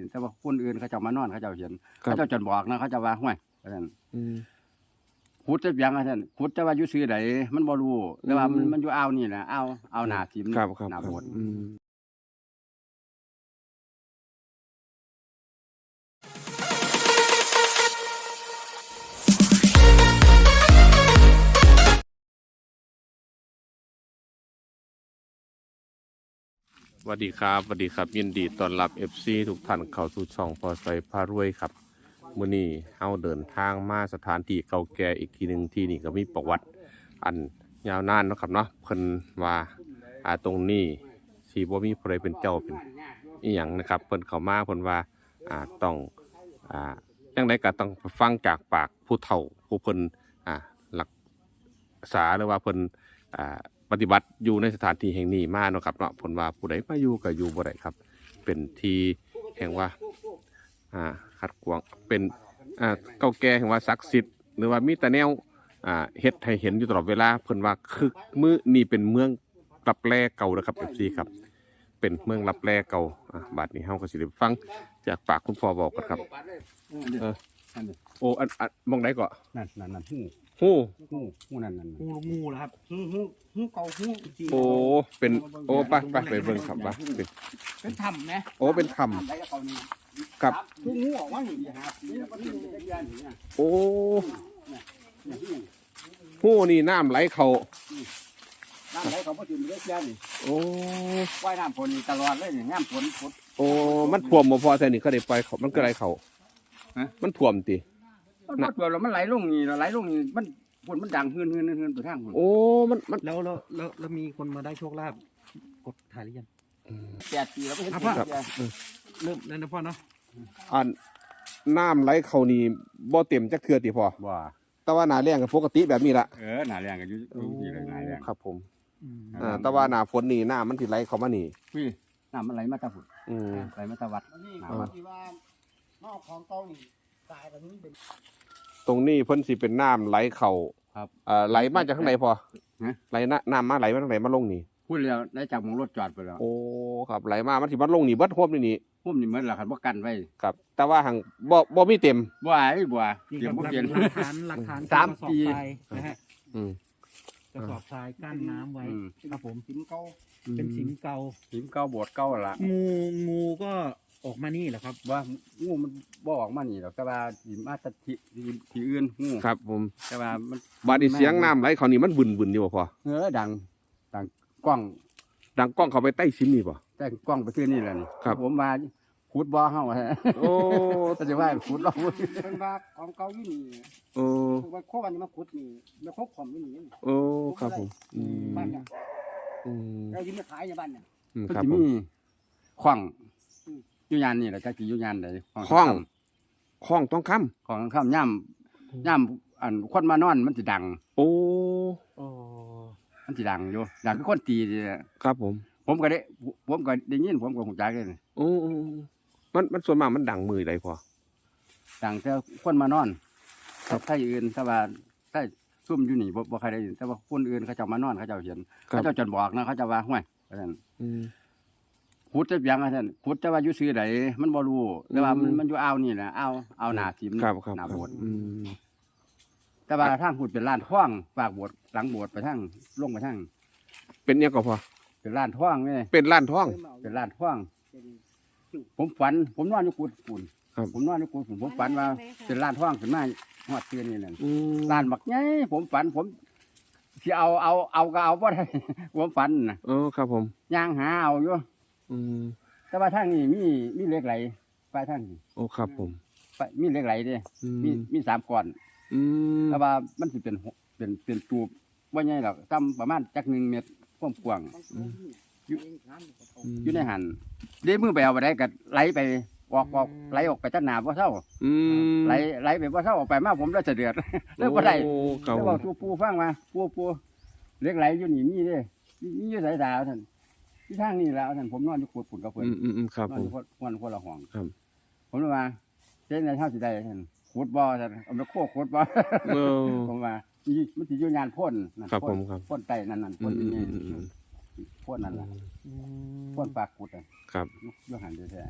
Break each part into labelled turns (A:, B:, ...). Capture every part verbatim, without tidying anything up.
A: แต่ว่าคนอื่นเขาเจ้ามานอนเขาเจ้าเห็นเขาเจ้าจนบอกนะเขาเจ้าว่าห้วยว่าซั่นขุดจะเปียงว่าซั่นขุดจะว่าอยู่ซื่อใดมันบ่รู้แต่ว่ามันมันอยู่อ่าวนี่แหละอ่าวอ่าวหน้าทิมหน้าโบสถ์
B: สวัสดีครับสวัสดีครับยินดีต้อนรับ เอฟ ซี ทุกท่านเข้าสู่ช่องพอใส่พารวยครับมื้อนี้เฮาเดินทางมาสถานที่เก่าแก่อีกทีหนึ่งที่นี่ก็มีประวัติอันยาวนานเนาะครับเนาะเพิ่นว่าอ่าตรงนี้สิบ่มีผู้ใดเป็นเจ้าเป็นอีหยังนะครับเพิ่นเข้ามาเพิ่นว่าอ่าต้องอ่าจังไดก็ต้องฟังจากปากผู้เฒ่าผู้เพิ่นอ่ารักษาหรือว่าเพิ่นอ่าปฏิบัติอยู่ในสถานที่แห่งนี้มาเนาะครับเนาะผลว่าผู้ใดมาอยู่ก็อยู่บ่ได้ครับเป็นที่แห่งว่าอ่าขัดขวางเป็นอ่าเก่าแก่แห่งว่าศักดิ์สิทธิ์หรือว่ามีแต่แนวอ่าเฮ็ดให้เห็นอยู่ตลอดเวลาเพิ่นว่าคือมื้อนี่เป็นเมืองรับแลเก่านะครับ เอฟ ซี ครับเป็นเมืองรับแลเก่าอ่าบัดนี้เฮาก็สิได้ฟังจากปากคุณพ่อบอกกันครับเออโอ้อันอันมองได้ก็
A: นั่นนั่นนั่นหู
B: หู
A: หูหูนั่นนั่น
C: หูงูเหรอครับหูหูหูเก่าหูจริง
B: โอ้เป็นโอ้ไปไปไปเบิ่งครับว่าเป็น
C: เป็นถ้ำไหม
B: โอ้เป็นถ้ำกับ
C: หูงูออกมาอยู่
B: โอ้หูนี่น้ำไหลเขา
A: น้ำไหลเขาพอถึงเล็กยันนี่
B: โอ้
A: ว่ายน้ำฝนตลอดเลยนี่น้ำฝนฝน
B: โอ้มันท่วมบ่พอแต่นี่เขาได้ปล่อยเขามันก็ไหลเขามันท่วมติ
A: มันท่วมแล้วมันไหลลงนี่ไหลลงนี่มันฝนมันดังฮืนฮืนฮืนไปทางฝน
B: โอ้มันมัน
C: แล้วแล้วแล้วแล้วมีคนมาได้โชคลาภกดถ่ายหรือยัง
A: แปดปีแล้วก็เห็น
C: เริ่มแล้วนะพ่อเนาะ
B: อันน้ำไหลเขานี่บ่เต็มจักเทื่อติพ่อ
A: บ่
B: แต่ว่าหน้าแล้งก็ปกติแบบนี้ล่ะ
A: เออหน้าแล้งก็อยู่ที่เลยหน้าแล้ง
B: ครับผมอ่าแต่ว่าหน้าฝนนี่น้ำมันสิไหลเข้ามานี่
A: พี่น้ำมันไหลมาตะฝน
B: อืม
A: ไหลมาตะวัด
C: น้ำที่ว่าน้ำของเก่านี่ตายแบบนี้เป็น
B: ตรงนี้เพิ่นสิเป็นน้ำไหลเข้า
A: ครับ
B: เอ่อไหลมาจากข้างในพอไหลน้ำมาไหลมาทางไหนมาลงนี่
A: พูดแล้วได้จากมองรถจอดไปแล้ว
B: โอ้ครับไหลมามันสิมาลงนี่เบิดท่วมนี่นี่
A: ท่วมนี่เหมือนล่ะครับบ่กันไว้
B: ครับแต่ว่าหังบ่บ่มีเต็ม
A: บ่ไอ้บ่เต็มบ่เปลี่ยน
C: หลักฐานหลักฐาน
A: สามปี
C: นะฮะ
B: อืม
C: กระสอบทรายกั้นน้ำไว้ครับผม
A: สิมเก่า
C: เป็นสิมเก่า
A: สิมเก่าโบสถ์เก่าล่ะ
C: งูงูก็ออกมานี่แหละครับ
A: ว่างูมันบ่ออกมานี่หรอกแต่ว่าสิมาตะที่ที่อื่นงู
B: ครับผม
A: แต่ว่ามัน
B: บาดนี้เสียงน้ำไหลเขานี่มันบึนๆอยู่บ่พอ
A: เออดังดังกล้อง
B: ดังกล้องเข้าไปใต้ซิมนี่บ่
A: ใต้กล้องไปซื้อนี่แหละนี่
B: ครับ
A: ผมว่าขุดบ่อเฮา
B: โอ้
A: ก็จะว่าขุดเรา
C: เพิ่นว่าของเก่าอยู่นี่
B: โอ้
C: ว่าโควันมาขุดนี่แล้วโคขอมอยู่นี่
B: โอ้ครับผมอืม
C: บ้านเนี่ย
B: อืม
C: เราสิมาขายในบ้านเนี่ย
A: มันสิมีขว้างอยู่ยานนี่แหละจักสิอยู่ยานใด
B: ขว้างขว้างต้องค้
A: ำขว้างค้ำย่ำย่ำอันคนมานอนมันสิดัง
B: โอ้
C: โอ้
A: มันสิดังอยู่ดังคือคนตีนี่
B: ครับผม
A: ผมก็ได้ผมก็ได้ยินผมก็ฮู้จักเลย
B: โอ้มันมันส่วนมากมันดังมือใดพอ
A: ดังแต่คนมานอนครับถ้าอื่นถ้าว่าถ้าซุ่มอยู่นี่บ่บ่ใครได้ยินแต่ว่าคนอื่นเขาเจ้ามานอนเขาเจ้าเห็นเขาเจ้าจนบอกนะเขาเจ้าว่าห้วยว่าซั่น
B: อืม
A: ขุดจะเปียงว่าซั่นขุดจะว่าอยู่ซื่อใดมันบ่รู้แต่ว่ามันมันอยู่อ่าวนี่แหละอ่าวอ่าวหน้าทิมหน้าโบสถ์
B: อืม
A: แต่ว่าทางขุดเป็นลานท้องฝากโบสถ์หลังโบสถ์ไปทางลงไปทาง
B: เป็นยังก็พอ
A: เป็นลานท้องนี่
B: เป็นลานท้อง
A: เป็นลานท้องผมฝันผมนอนอยู่กุดฝุ่นผมนอนอยู่กุดฝุ่นผมฝันว่าเป็นลานท้องขึ้นมาฮอดเตือนนี่นั่นลานบักใหญ่ผมฝันผมสิเอาเอาเอาก็เอาบ่ได้ผมฝันน่ะ
B: เออครับผม
A: ย่างหาเอาอยู่
B: อืม
A: แต่ว่าทางนี้มีมีเหล็กไหลไปทางนี้
B: โอ้ครับผม
A: ไปมีเหล็กไหลเด้มีมีสามก้อน
B: อืม
A: แต่ว่ามันสิเป็นเป็นเป็นตูบบ่ใหญ่หรอกต่ำประมาณจักหนึ่งเมตรความกว้างอยู่อยู่ในหันเด้มือไปเอาไปได้ก็ไหลไปออกออกไหลออกไปตั้งหนาบ่เท่าไหลไหลไปบ่เท่าออกไปมาผมแล้วจะเดือดแล้วบ่ได้แล้วบอกปูปูฟังมาปูปูเล็กไหลอยู่นี่มีเด้มีอยู่สายตาท่านที่ทางนี้แล้วท่านผมนอนอยู่ขุดฝุ่นกับเพิ่น
B: อืมๆครับผม
A: คนคนละห้อง
B: ครับ
A: ผมเลยว่าเจ๊ในเท่าสิได้ท่านขุดบ่อท่านเอาไปโคกขุดบ่อผมว่ามันสิอยู่งานพ่นนั่นพ่นพ่นไตนั่นนั่นพ่นนี่พ่นนั่นล่ะพ่นปากขุดอ่ะ
B: ครับ
A: อยู่หันแท้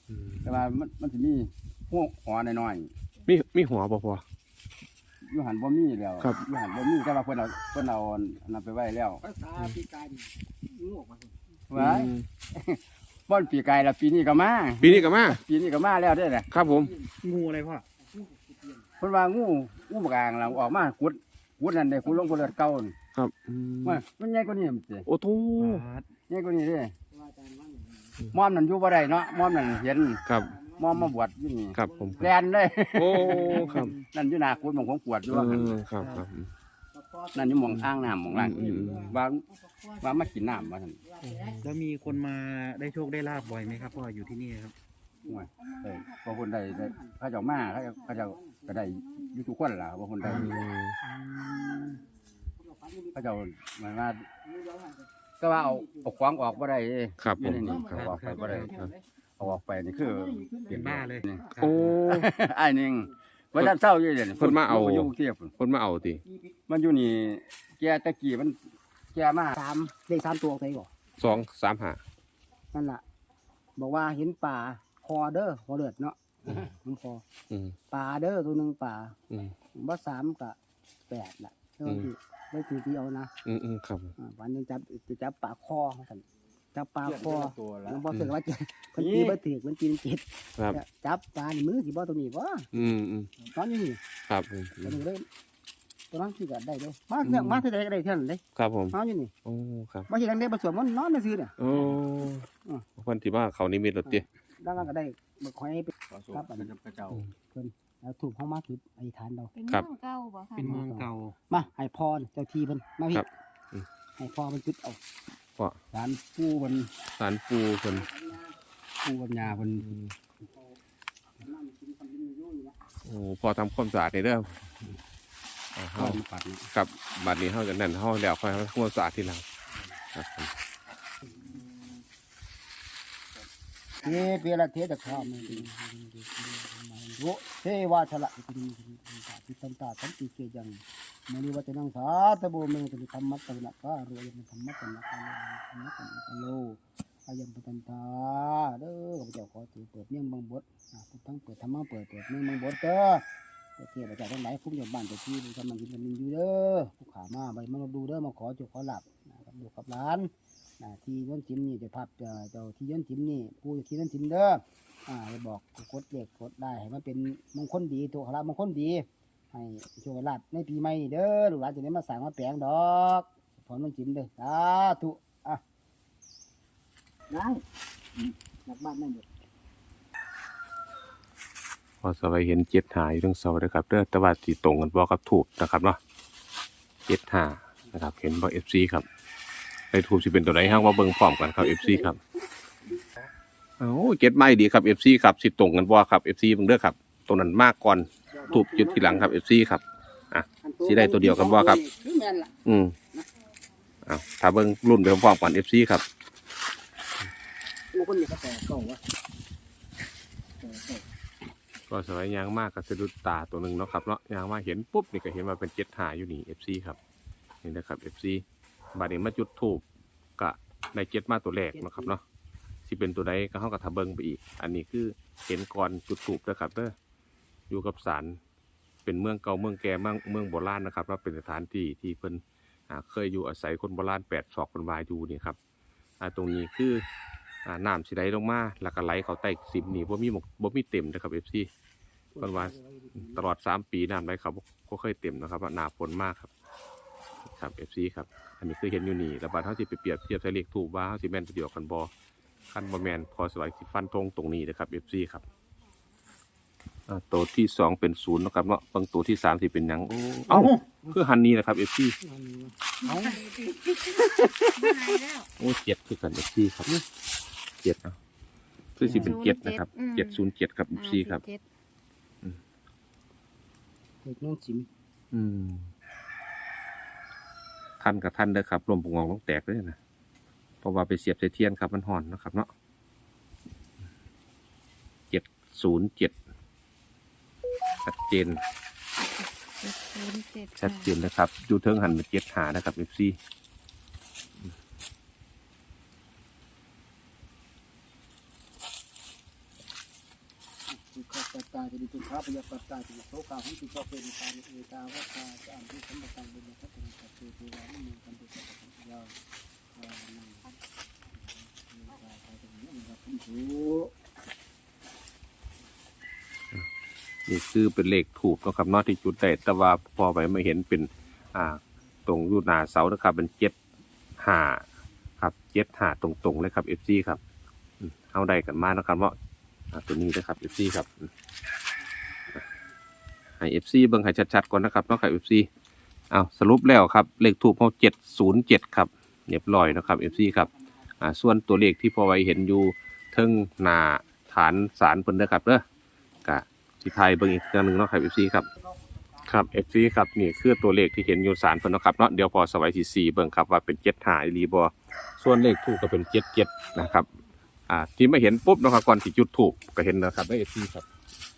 B: อืม
A: แต่ว่ามันมันสิมีหัวหัวน้อย
B: มีมีหัวบ่พอ
A: ๆอยู่หันบ่มีแล้ว
B: ครับ
A: อยู่หันบ่มีแต่ว่าเพิ่นเอาเพิ่นเอาอันนั้นไปไว้แล้ว
C: ภาษาปีกายงูออกมา
A: ไว้
B: อืม
A: บ่อนปีกายแล้วปีนี้ก็มา
B: ปีนี้ก็มา
A: ปีนี้ก็มาแล้วเด้อน่ะ
B: ครับผม
D: งูอะไรพ่อ
A: เพิ่นว่างูงูบกลางเราออกมาขุดขุดนั่นได้ขุดลงบ่เลือดเก่านั่น
B: ครับอืม
A: ว่ามันใหญ่กว่านี้มันสิ
B: โอ้โถ
A: ใหญ่กว่านี้เด้มอมนั่นอยู่บ่ได้เนาะมอมนั่นเห็น
B: ครับ
A: มอมมาบวชอยู่นี่
B: ครับผม
A: แลนเลย
B: โอ้ครับ
A: นั่นอยู่หน้าขุดหม่องของปวดอยู่ว่าหั่น
B: เออครับครับ
A: นั่นอยู่หม่องอ่างน้ำหม่องล่าง
B: อืม
A: ว่าว่ามากินน้ำว่าซั่น
D: แล้วมีคนมาได้โชคได้ลาบบ่อยไหมครับพ่ออยู่ที่นี่ครับ
A: โอ้ยเอ้ยพอคนใดได้เขาเจ้ามาเขาเจ้าเขาเจ้าก็ได้อยู่ทุกคนล่ะบ่คนใด
B: อืม
A: เขาเจ้าหมายว่าก็ว่าเอาเอาขวางออกบ่ได้เด้
B: ครับผ
A: อยู่
B: ม
A: ในนี่
B: ครับ
A: เอาออกไปบ่ได้เอาออกไปนี่คือ
D: เป็นบ้าเลย
A: นี่
B: โอ้
A: ไอ้นึงว่าท่านเศร้าอยู่เดี๋ยวนี้
B: เพิ่นมาเอา
A: อยู่กรุงเทพฯพุ่น
B: คนมาเอาติ
A: มันอยู่นี่แกตะกี้มันแกมา
C: สามเลขสามตัวออกไปก่อน
B: สองสามห้า
C: นั่นล่ะ บอกว่าเห็นป่าคอเด้อคอเลือดเนาะมันคอ
B: อืม
C: ป่าเด้อตัวหนึ่งป่า
B: อืม
C: ว่าสามกับแปดล่ะเท่าที่ได้ถือที่เอานะ
B: อืมอืมครับ
C: อ่าวันหนึงจับจะจับป่าคอกันจับป่าคอ
A: ตัวละ
C: มันบอกถือว่าจะคนตีบ่ถือคนตีนเจ็ด
B: ครับ
C: จับปลาในมือสิบ่ตรงนี้บ่
B: อืมอืม
C: ตอนนี้นี่
B: ครับผม
C: ตัวนึงเลยตัวนั้นที่ก็ได้เลยมาเรื่องมาที่ใดก็ได้เท่านั้นเลย
B: ครับผม
C: นอนอยู่นี่
B: โอ้ครับ
C: บ่ใช่ดังได้บ่สวมมันนอนซื่อเนี่ย
B: โอ้คนที่ว่าเขานี่มีรถติ
C: ดังนั้นก็ได้บ่ค่อยไป
A: ครับอันนี้พระเจ้า
C: แล้วถูกเฮามาคืออธิษฐานเรา
E: เป็นเมืองเก่าบ่ค่ะ
D: เป็นเมืองเก่า
C: มาให้พรเจ้าที่เพิ่นมาพี่
B: ครับอืม
C: ให้พรเพิ่นจุดเอา
B: พ่อ
A: ศาลปู่เพิ่น
B: สารปูเพิ่น
A: ปู่กับย่าเพิ่น
B: โอ้พอทำความสะอาดในเด้ออ่า
A: เข้า
B: เฮา
A: มาปัดนี่
B: กับบัดนี้เฮากันนั่นเฮาแล้วค่อยทำความสะอาดทีหลังครับผม
C: เทเปละเทตะคามโวเทวาชละติสันตาสันติเกยังมณีวัจนังสาตะโบเมตุธรรมัตตะนะกะโรยมธรรมัตตะนะกะธรรมัตตะนะกะโลอายัมปตันตาเด้อข้าพเจ้าขอถือเปิดเมี่ยงบางบทอ่าพุทธังเปิดธรรมังเปิดเปิดเมี่ยงบางบทเด้อเทพเจ้าทั้งหลายพุ่งจากบ้านจากที่กำลังกินกันอยู่เด้อผู้ขามาใบมาดูเด้อมาขอจุขอหลับกับดูกับร้านอ่าที่ย้อนจิ้มนี่จะพับเจ้าเจ้าที่ย้อนจิ้มนี่ผู้ที่ย้อนจิ้มเด้ออ่าจะบอกกดเลขกดได้ให้มันเป็นมงคลดีตัวขลับมงคลดีให้โชคลาภในปีใหม่นี่เด้อลูกหลานจะได้มาสั่งมาแปลงดอกพอน้องจิ้มเด้อสาธุอ่ะได้หลักบ้านนั่นเด้อ
B: พอสบายเห็นเจ็ดหาอยู่ทั้งเสาเลยครับเด้อแต่ว่าสิตรงกันบ่กับถูกนะครับเนาะเจ็ดหานะครับเห็นบ่ เอฟ ซี ครับในถูกสิเป็นตัวไหนห้างว่าเบิ่งพร้อมกันครับ เอฟ ซี ครับเอ้าเจ็ดไม่ดีครับ เอฟ ซี ครับสิตรงกันบ่ครับ เอฟ ซี เบิ่งเด้อครับตัวนั้นมากก่อนถูกจุดทีหลังครับ เอฟ ซี ครับ สิได้ตัวเดียวกันบ่ครับ
C: คือแม่นล่ะ
B: อืมเอ้าถ้าเบิ่งรุ่นไปพร้อมๆกัน เอฟ ซี ครับ
C: โอ้คนนี้ก็แต่เก่าวะ
B: ก็สวยยางมากกับสะดุดตาตัวหนึ่งเนาะครับเนาะยางมาเห็นปุ๊บนี่ก็เห็นว่าเป็นเจ็ดหาอยู่นี่ เอฟ ซี ครับนี่นะครับ เอฟ ซี บัดนี้มาจุดทูบกะในเจ็ดมาตัวแรกเนาะครับเนาะสิเป็นตัวใดก็เข้ากับทะเบิงไปอีก อันนี้คือเห็นก่อนจุดทูบนะครับเด้ออยู่กับศาลเป็นเมืองเก่าเมืองแก่เมืองเมืองโบราณนะครับแล้วเป็นสถานที่ที่เพิ่นอ่าเคยอยู่อาศัยคนโบราณแปดศอกคนวายอยู่นี่ครับอ่าตรงนี้คืออ่าน้ำสิไหลลงมาแล้วก็ไหลเขาใต้สิมนี่บ่มีหมกบ่มีเต็มนะครับ เอฟ ซี เพิ่นว่าตลอดสามปีน้ำไหลเขาบ่เคยเต็มนะครับว่าหนาฝนมากครับครับ เอฟ ซี ครับอันนี้คือเห็นอยู่นี่แล้วบัดเฮาสิไปเปรียบเทียบใส่เลขถูกว่าเฮาสิแม่นตัวเดียวกันบ่คันบ่แม่นพอสบายสิฟันธงตรงนี้นะครับ เอฟ ซี ครับอ่าตัวที่สองเป็นศูนย์นะครับเนาะบางตัวที่สามสิเป็นหยังโอ้เอ้าคือหันนี้นะครับ เอฟ ซี
C: เอา
E: หายแล้ว
B: โอ้เจ็ดคือกัน เอฟ ซี ครับเจ็ดเนาะคือสิเป็นเจ็ดนะครับเจ็ดศูนย์เจ็ดครับ เอฟ ซี ครับ
E: เจ็ด
C: เด็กน้องจิ๋ม
B: อืมท่านกับท่านเด้อครับลมปงองต้องแตกเลยนะเพราะว่าไปเสียบใส่เทียนครับมันห่อนนะครับเนาะเจ็ดศูนย์เจ็ดชัดเจน
E: เจ็ดศูนย์เจ็ด
B: ชัดเจนนะครับดูเทิงหันมาเจ็ดหานะครับเอฟซี
C: ทุกขปัตตาจะดิทุกขปยปัตตาจะโสกาหันติโสเปนิตานิเอตาวัตตาจะอันที่สมบัติบุญทัพเป็นสัตว์เทวานิมันกันติสัพพะยาอานังมีตาตาจะมีอันดับที่ถูก
B: นี่คือเป็นเลขถูกนะครับเนอกที่จุดได้แต่ว่าพอไปมาเห็นเป็นอ่าตรงอยู่หน้าเสานะครับเป็นเจ็ดห้าครับเจ็ดห้าตรงๆเลยครับเอฟซีครับอืมเอาได้กันมานะครับว่าอ่าตัวนี้นะครับเอฟซีครับอืมให้เอฟซีเบิ่งให้ชัดๆก่อนนะครับเนาะครับเอฟซีเอาสรุปแล้วครับเลขถูกเขาเจ็ดศูนย์เจ็ดครับเรียบร้อยนะครับเอฟซีครับอ่าส่วนตัวเลขที่พอไว้เห็นอยู่เทิงหน้าฐานศาลเพิ่นนะครับเด้อกะที่ไทยเบิ่งอีกครั้งหนึ่งเนาะครับเอฟซีครับครับเอฟซีครับนี่คือตัวเลขที่เห็นอยู่ศาลเพิ่นเนาะครับเนาะเดี๋ยวพอสไว้ที่สี่เบิ่งครับว่าเป็นเจ็ดห้าอีหลีบ่ส่วนเลขถูกก็เป็นเจ็ดเจ็ดนะครับอ่าที่ไม่เห็นปุ๊บนะครับก่อนที่จุดถูกก็เห็นนะครับเอฟซีครับ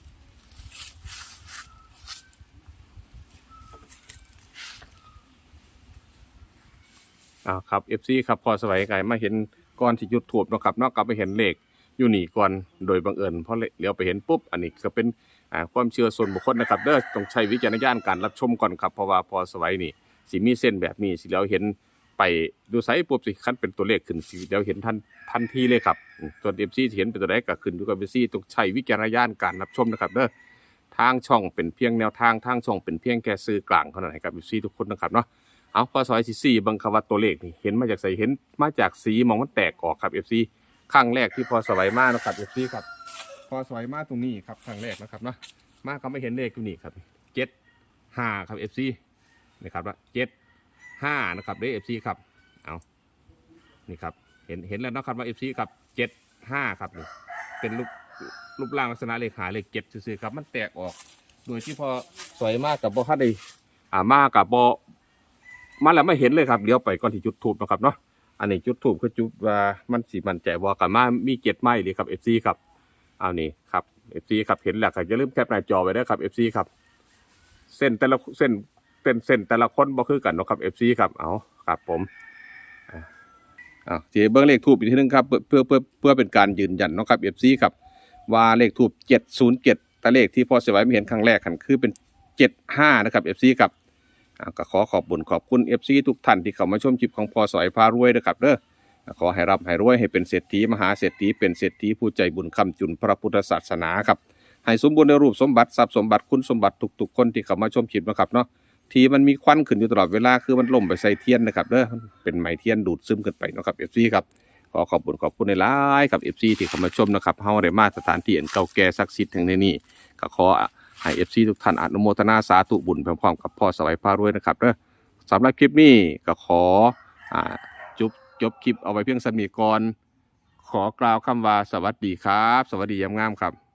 B: อ่าครับ เอฟ ซี ครับพอสวัยไก่มาเห็นก่อนที่จุดถูกเนาะครับเนาะก็ไปเห็นเลขอยู่นี่ก่อนโดยบังเอิญเพราะเลี้ยวไปเห็นปุ๊บอันนี้ก็เป็นอ่าความเชื่อส่วนบุคคลนะครับเด้อต้องใช้วิจารณญาณการรับชมก่อนครับเพราะว่าพอสวัยนี่สิมีเส้นแบบนี้สิแล้วเห็นไปดูไซส์ปุ๊บสิคันเป็นตัวเลขขึ้นสิแล้วเห็นทันทันทีเลยครับอืมส่วน เอฟ ซี ที่เห็นเป็นตัวเลขก็ขึ้นอยู่กับ เอฟ ซี ต้องใช้วิจารณญาณการรับชมนะครับเด้อทางช่องเป็นเพียงแนวทางทางช่องเป็นเพียงแค่สื่อกลางเท่านั้นให้กับ เอฟ ซี ทุกคนนะครับเนาะเอาพอสอยที่สี่บังคับว่าตัวเลขนี่เห็นมาจากใส่เห็นมาจากสีมองมันแตกออกครับ เอฟ ซี ครั้งแรกที่พอสวัยมานะครับ เอฟ ซี ครับพอสวัยมาตรงนี้ครับครั้งแรกนะครับเนาะมาก็ไม่เห็นเลขตรงนี้ครับเจ็ดห้าครับ เอฟ ซี นะครับว่าเจ็ดห้านะครับเด้อ เอฟ ซี ครับเอานี่ครับเห็นเห็นแล้วนะครับว่า เอฟ ซี ครับเจ็ดห้าครับนี่เป็นรูปรูปร่างลักษณะเลขหาเลขเจ็ดซื่อๆครับมันแตกออกโดยที่พอสวยมากกับบอฮัดได้อ่ามากับบอมาแล้วไม่เห็นเลยครับเลี้ยวไปก่อนที่จุดทูบนะครับเนาะอันนี้จุดทูบคือจุดว่ามันสีมันใจว่ากันมามีเจ็ดไม้เลยครับ เอฟ ซี ครับเอานี่ครับ เอฟ ซี ครับเห็นแล้วครับอย่าลืมแคปหน้าจอไว้ด้วยครับ เอฟ ซี ครับเส้นแต่ละเส้นเส้นเส้นแต่ละคนบ่คือกันเนาะครับ เอฟ ซี ครับเอาครับผมอ่าทีเบิ้งเลขทูบอีกทีนึงครับเพื่อเพื่อเพื่อเป็นการยืนยันเนาะครับ เอฟ ซี ครับว่าเลขทูบเจ็ดศูนย์เจ็ดแต่เลขที่พอสวัยไม่เห็นครั้งแรกกันคือเป็นเจ็ดห้านะครับ เอฟ ซี ครับก็ขอขอบบุญขอบคุณ เอฟ ซี ทุกท่านที่เข้ามาชมคลิปของพอสวัยพารวยนะครับเด้อขอให้รับให้รวยให้เป็นเศรษฐีมหาเศรษฐีเป็นเศรษฐีผู้ใจบุญคำจุนพระพุทธศาสนาครับให้สมบูรณ์ในรูปสมบัติทรัพย์สมบัติคุณสมบัติทุกๆคนที่เข้ามาชมคลิปนะครับเนาะที่มันมีควันขึ้นอยู่ตลอดเวลาคือมันล่มไปใส่เทียนนะครับเด้อเป็นไม้เทียนดูดซึมขึ้นไปนะครับ เอฟ ซี ครับขอขอบคุณขอบคุณในหลายครับ เอฟ ซี ที่เข้ามาชมนะครับเฮาได้มาสถานที่อันเก่าแก่ศักดิ์สิทธิ์แห่งนี้ก็ขอให้ เอฟ ซี ทุกท่านอนุโมทนาสาธุบุญพร้อมๆกับพ่อสวัยพารวยนะครับเด้อสำหรับคลิปนี้ก็ขออ่าจบจบคลิปเอาไว้เพียงสมีก่อนขอกล่าวคำว่าสวัสดีครับสวัสดียามงามครับ